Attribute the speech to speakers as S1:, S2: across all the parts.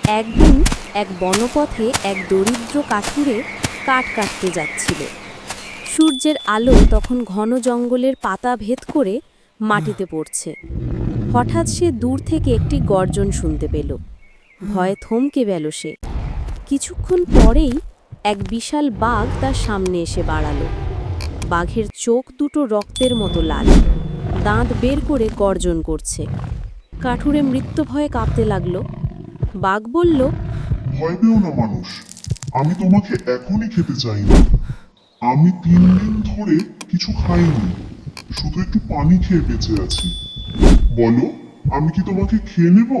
S1: একদিন এক বনপথে এক দরিদ্র কাঠুরে কাঠ কাটতে যাচ্ছিল। সূর্যের আলো তখন ঘন জঙ্গলের পাতা ভেদ করে মাটিতে পড়ছে। হঠাৎ সে দূর থেকে একটি গর্জন শুনতে পেল। ভয়ে থমকে গেল সে। কিছুক্ষণ পরেই এক বিশাল বাঘ তার সামনে এসে দাঁড়ালো। বাঘের চোখ দুটো রক্তের মতো লাল, দাঁত বের করে গর্জন করছে। কাঠুরে মৃত্যু ভয়ে কাঁপতে লাগলো। বাঘ বলল,
S2: ভয় পেও না মানুষ, আমি তোমাকে এখনই খেতে চাই না। আমি 3 দিন ধরে কিছু খাইনি, শুধু একটু পানি খেয়ে বেঁচে আছি। বলো, আমি কি তোমাকে খেয়ে নেব?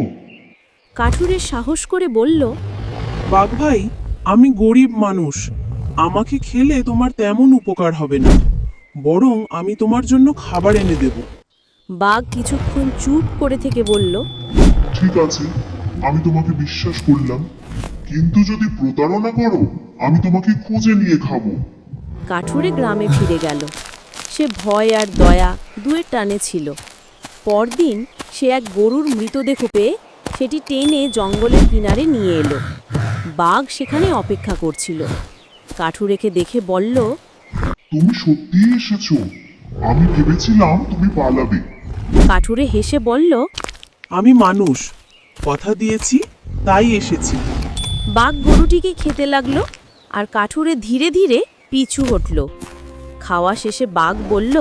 S1: কাঠুরে সাহস করে বলল,
S3: বাঘ ভাই, আমি গরিব মানুষ, আমাকে খেলে তোমার তেমন উপকার হবে না, বরং আমি তোমার জন্য খাবার এনে দেব।
S1: বাঘ কিছুক্ষণ চুপ করে থেকে বলল,
S2: ঠিক আছে, আমি তোমাকে বিশ্বাস করলাম, কিন্তু যদি প্রতারণা করো আমি তোমাকে খুঁজে নিয়ে খাবো।
S1: কাঠুরে গ্রামে ফিরে গেল। সে ভয় আর দয়া দুয়ের টানে ছিল। পরদিন সে এক গরুর মৃতদেহ পেয়ে সেটি টেনে জঙ্গলের কিনারে নিয়ে এলো। বাঘ সেখানে অপেক্ষা করছিল। কাঠুরেকে দেখে বলল,
S2: তুমি সত্যিই এসেছো, আমি ভেবেছিলাম তুমি পালাবে।
S1: কাঠুরে হেসে বলল,
S3: আমি মানুষ, কথা দিয়েছি তাই এসেছি।
S1: বাঘ গরুটিকে খেতে লাগলো আর কাঠুরে ধীরে ধীরে পিছু হটল। খাওয়া শেষে বাঘ বলল,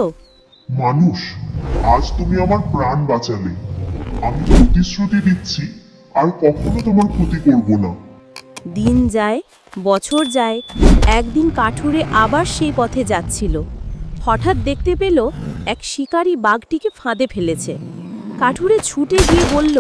S2: মানুষ, আজ তুমি আমার প্রাণ বাঁচালে। আমি প্রতিশ্রুতি দিচ্ছি আর কখনো তোমার ক্ষতি করব না।
S1: দিন যায়, বছর যায়। একদিন কাঠুরে আবার সেই পথে যাচ্ছিল। হঠাৎ দেখতে পেল এক শিকারী বাঘটিকে ফাঁদে ফেলেছে। কাঠুরে ছুটে গিয়ে বলল,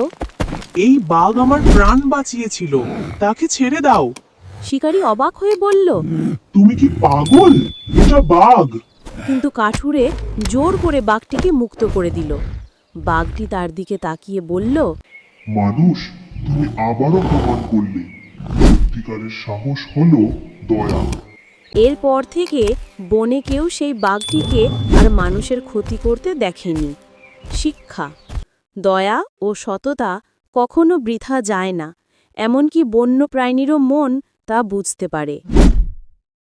S3: এই বাঘ আমার প্রাণ বাঁচিয়েছিল, তাকে ছেড়ে দাও।
S1: শিকারী অবাক হয়ে বলল,
S2: তুমি কি পাগল? এটা বাঘ।
S1: কিন্তু কাঠুরে জোর করে বাঘটিকে মুক্ত করে দিল। বাঘটি তার দিকে তাকিয়ে বলল,
S2: মানুষ, তুমি আবারও প্রমাণ করলে সত্যিকারের সাহস হলো দয়া।
S1: এরপর থেকে বনে কেউ সেই বাঘটিকে আর মানুষের ক্ষতি করতে দেখেনি। শিক্ষা: দয়া ও সততা কখনো বৃথা যায় না, এমনকি বন্য প্রাণীরও মন তা বুঝতে পারে।